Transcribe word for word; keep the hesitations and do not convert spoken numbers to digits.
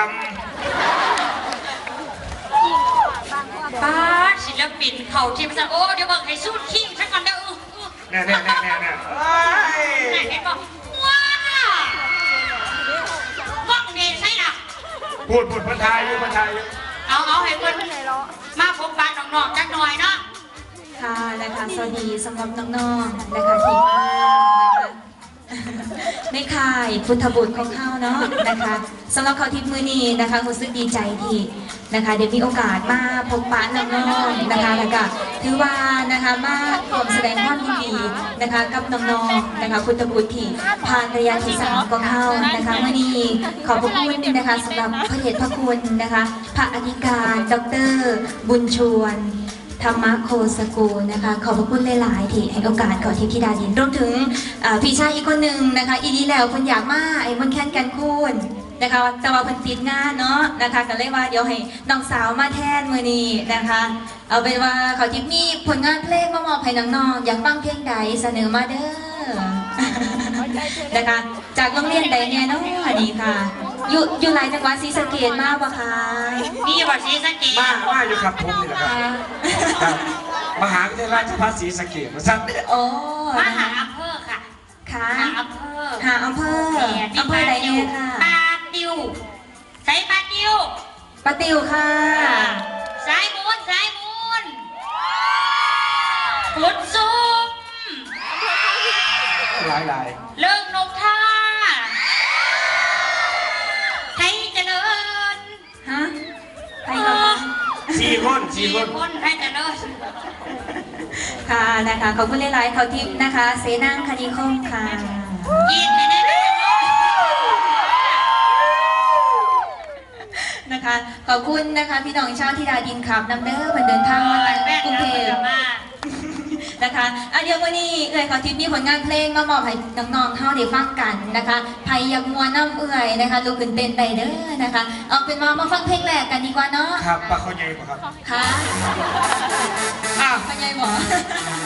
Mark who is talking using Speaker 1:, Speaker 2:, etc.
Speaker 1: ป้าศิลปินเขาทีมซะโอ้เดี๋ยวเบิ่งให้สู้คิงซะก่อนเด้อ
Speaker 2: แน่แน่แน่แน่แน่
Speaker 1: เห็นบอกว้าบ้องเด่นใช่หรอ
Speaker 2: พูดพูดพันทายอยู่พันทายอยู่
Speaker 1: เอาเอาให้เพื่อนมาพบปะน้องๆจักหน่อยเนาะ
Speaker 3: ค่ะนะคะสวัสดีสำหรับน้องๆนะคะที่มานะคะในค่ายพุทธบุตรของเขาเนาะนะคะสำหรับเขาทิพย์มือนีนะคะรู้สึกดีใจที่นะคะเดี๋ยวมีโอกาสมาพบปะน้องๆนะคะแล้วก็ถือว่านะคะมาร่วมแสดงความยินดีนะคะกับน้องๆนะคะพุทธบุตรที่ผ่านระยะที่สามของเขานะคะมือนีขอบพระคุณนะคะสำหรับพระเดชพระคุณนะคะพระอธิการดร.บุญชวนธรรมโคสกูนะคะขอบพระคุณหลายๆที่ให้โอกาสขอทิพย์ธิดาดินรวมถึงพี่ชายอีกคนหนึ่งนะคะอีดีแล้วคนอยากมาไอ้มันแค้นกันคุณนะคะจะว่าเพิ่นติดงานเนาะนะคะก็เลยว่าเดี๋ยวให้น้องสาวมาแทนมือนี้นะคะเอาเป็นว่าขอทิพย์มีผลงานเพลงมามอบให้น้องๆอยากฟังเพลงใดเสนอมาเด้อนะคะจากโรงเรียนใดเนี่ยเนาะนี่ค่ะอยู่อยู่หลายจังหวัดศรีสะเกษมากปะคะ
Speaker 1: นี่ว่าศรีสะเกษ
Speaker 2: มามาอยู่ครับผมนี่แหละครับครับมหาวิทยาลัยราชภัฏศรีสะเกษนะครับ
Speaker 3: โอ้
Speaker 1: มหาอำเภอค่ะ
Speaker 3: ค่ะ
Speaker 1: หาอำเภอ
Speaker 3: หาอำเภออำเภอใดเนี่ยค่ะ
Speaker 1: ปาติวใส่ปาติว
Speaker 3: ปาติวค่ะ
Speaker 1: สายมูนสายมูนขุดซุ่ม
Speaker 2: หลายหลาย
Speaker 1: เลิกนกท่าไทยเจริญ
Speaker 3: ฮะไทยกับ
Speaker 2: สี่คนสี่คน
Speaker 1: คนไทยเจริญ
Speaker 3: ค่ะนะคะขอบคุณหลายๆเขาทิพย์นะคะเสนังคณิคมค่ะ
Speaker 1: ยินดี
Speaker 3: นะคะขอบคุณนะคะพี่น้องชาวธิดาดินครับนำเด้อเพิ่นเดินทางมาจากกรุงเทพนะคะอ่ะเดี๋ยววันนี้เอ่ยขอทิพย์มีผลงานเพลงมามอบให้น้องๆเฮาได้ฟังกันนะคะไผอยากมัวน้ำเอื่อยนะคะลุกขึ้นเต้นไปเด้อนะคะเอาเป็นว่ามาฟังเพลงแรกกันดีกว่าเนาะ
Speaker 2: ครับปลาเขาใหญ่ปะครับ
Speaker 3: ค่ะ
Speaker 2: อ้าว
Speaker 3: เขาใหญ่บ่